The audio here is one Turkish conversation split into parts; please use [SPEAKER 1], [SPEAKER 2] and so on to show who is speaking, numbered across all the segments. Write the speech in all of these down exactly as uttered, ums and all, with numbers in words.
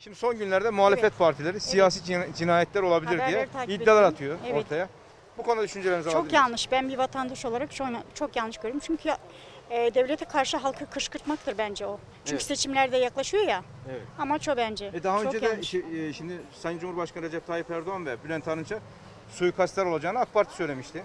[SPEAKER 1] Şimdi son günlerde muhalefet
[SPEAKER 2] Evet.
[SPEAKER 1] partileri siyasi cina- cinayetler olabilir
[SPEAKER 2] Haberleri
[SPEAKER 1] diye
[SPEAKER 2] takip
[SPEAKER 1] iddialar
[SPEAKER 2] ediyorum.
[SPEAKER 1] atıyor
[SPEAKER 2] Evet.
[SPEAKER 1] ortaya. Bu konuda düşüncelerinizi alabilir
[SPEAKER 2] Çok
[SPEAKER 1] miyiz?
[SPEAKER 2] yanlış. Ben bir vatandaş olarak çok, çok yanlış görüyorum. Çünkü e, devlete karşı halkı kışkırtmaktır bence o. Çünkü
[SPEAKER 1] Evet.
[SPEAKER 2] seçimler de yaklaşıyor ya.
[SPEAKER 1] Evet.
[SPEAKER 2] Amaç o bence.
[SPEAKER 1] E daha
[SPEAKER 2] çok
[SPEAKER 1] önce de
[SPEAKER 2] yanlış.
[SPEAKER 1] şi- e, şimdi Sayın Cumhurbaşkanı Recep Tayyip Erdoğan ve Bülent Arınç'a suikastlar olacağını AK Parti söylemişti.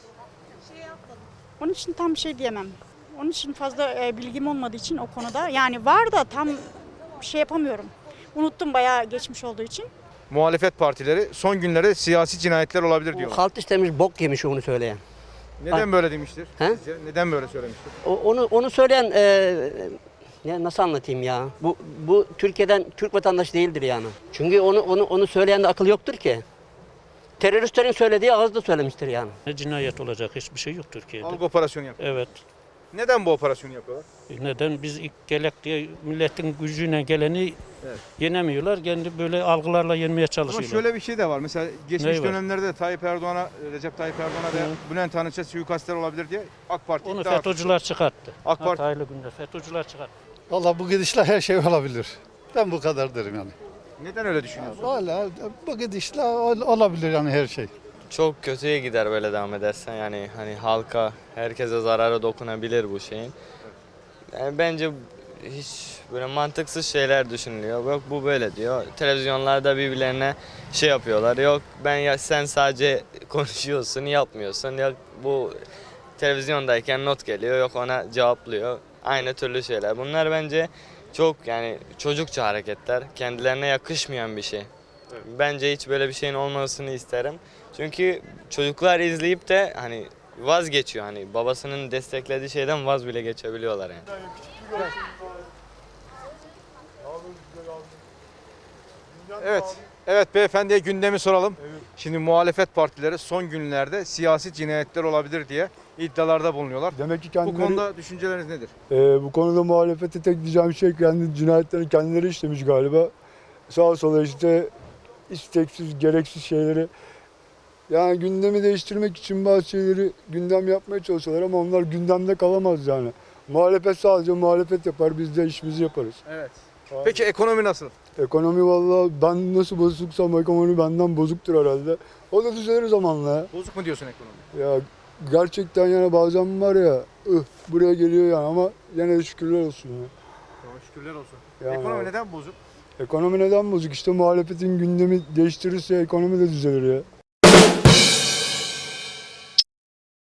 [SPEAKER 2] Onun için tam bir şey diyemem. Onun için fazla e, bilgim olmadığı için o konuda. Yani var da tam şey yapamıyorum. Unuttum bayağı geçmiş olduğu için.
[SPEAKER 1] Muhalefet partileri son günlerde siyasi cinayetler olabilir
[SPEAKER 3] O
[SPEAKER 1] diyorlar.
[SPEAKER 3] halt istemiş bok yemiş onu söyleyen.
[SPEAKER 1] Neden böyle demiştir?
[SPEAKER 3] He?
[SPEAKER 1] Sizce? Neden böyle söylemiştir?
[SPEAKER 3] O, onu onu söyleyen e, ya nasıl anlatayım ya? Bu bu Türkiye'den Türk vatandaşı değildir yani. Çünkü onu onu onu söyleyen de akıl yoktur ki. Teröristlerin söylediği ağızda söylemiştir yani.
[SPEAKER 4] Ne cinayet olacak hiçbir şey yok Türkiye'de.
[SPEAKER 1] Algı operasyonu yapıyor.
[SPEAKER 4] Evet.
[SPEAKER 1] Neden bu operasyonu yapıyorlar?
[SPEAKER 4] E Neden biz ilk gelek diye milletin gücüne geleni
[SPEAKER 1] Evet.
[SPEAKER 4] yenemiyorlar. Kendi böyle algılarla yenmeye
[SPEAKER 1] Ama
[SPEAKER 4] çalışıyorlar.
[SPEAKER 1] şöyle bir şey de var. Mesela geçmiş
[SPEAKER 4] Neyi var?
[SPEAKER 1] dönemlerde de Tayyip Erdoğan'a, Recep Tayyip Erdoğan'a ve Bülent Arınç'a suikastler olabilir diye AK Parti
[SPEAKER 4] Onu
[SPEAKER 1] iddia atıyor.
[SPEAKER 4] FETÖ'cüler çıkarttı.
[SPEAKER 1] AK Parti-
[SPEAKER 4] Hataylı günde FETÖ'cüler çıkarttı.
[SPEAKER 5] Valla bu gidişle her şey olabilir. Ben bu kadar derim yani.
[SPEAKER 1] Neden öyle düşünüyorsun?
[SPEAKER 5] Valla bu gidişle ol- olabilir yani her şey.
[SPEAKER 6] Çok kötüye gider böyle devam edersen, yani hani halka, herkese zarara dokunabilir bu şeyin. Yani bence hiç böyle mantıksız şeyler düşünülüyor. Yok bu böyle diyor. Televizyonlarda birbirlerine şey yapıyorlar. Yok ben ya sen sadece konuşuyorsun, yapmıyorsun. Yok bu televizyondayken not geliyor. Yok ona cevaplıyor. Aynı türlü şeyler. Bunlar bence çok yani çocukça hareketler. Kendilerine yakışmayan bir şey. Bence hiç böyle bir şeyin olmasını isterim. Çünkü çocuklar izleyip de hani vazgeçiyor, hani babasının desteklediği şeyden vaz bile geçebiliyorlar yani.
[SPEAKER 1] Evet. Evet beyefendiye gündemi soralım. Şimdi muhalefet partileri son günlerde siyasi cinayetler olabilir diye iddialarda bulunuyorlar.
[SPEAKER 7] Demek ki
[SPEAKER 1] Bu
[SPEAKER 7] kendileri,
[SPEAKER 1] konuda düşünceleriniz nedir?
[SPEAKER 7] e, bu konuda muhalefete tek diyeceğim şey kendi cinayetlerini kendileri işlemiş galiba. Sağa sola işte isteksiz, gereksiz şeyleri. Yani gündemi değiştirmek için bazı şeyleri gündem yapmaya çalışıyorlar ama onlar gündemde kalamaz yani. Muhalefet sadece muhalefet yapar, biz de işimizi yaparız.
[SPEAKER 1] Evet. Peki ekonomi nasıl?
[SPEAKER 7] Ekonomi vallahi ben nasıl bozuksam ekonomi benden bozuktur herhalde. O da düzelir zamanla ya.
[SPEAKER 1] Bozuk mu diyorsun ekonomi?
[SPEAKER 7] Ya gerçekten yani bazen var ya ıh, buraya geliyor yani ama yine de şükürler olsun ya.
[SPEAKER 1] Tamam, şükürler olsun.
[SPEAKER 7] Yani
[SPEAKER 1] ekonomi
[SPEAKER 7] abi.
[SPEAKER 1] neden bozuk?
[SPEAKER 7] Ekonomi neden bozuk? İşte muhalefetin gündemi değiştirirse ekonomi de düzelir ya.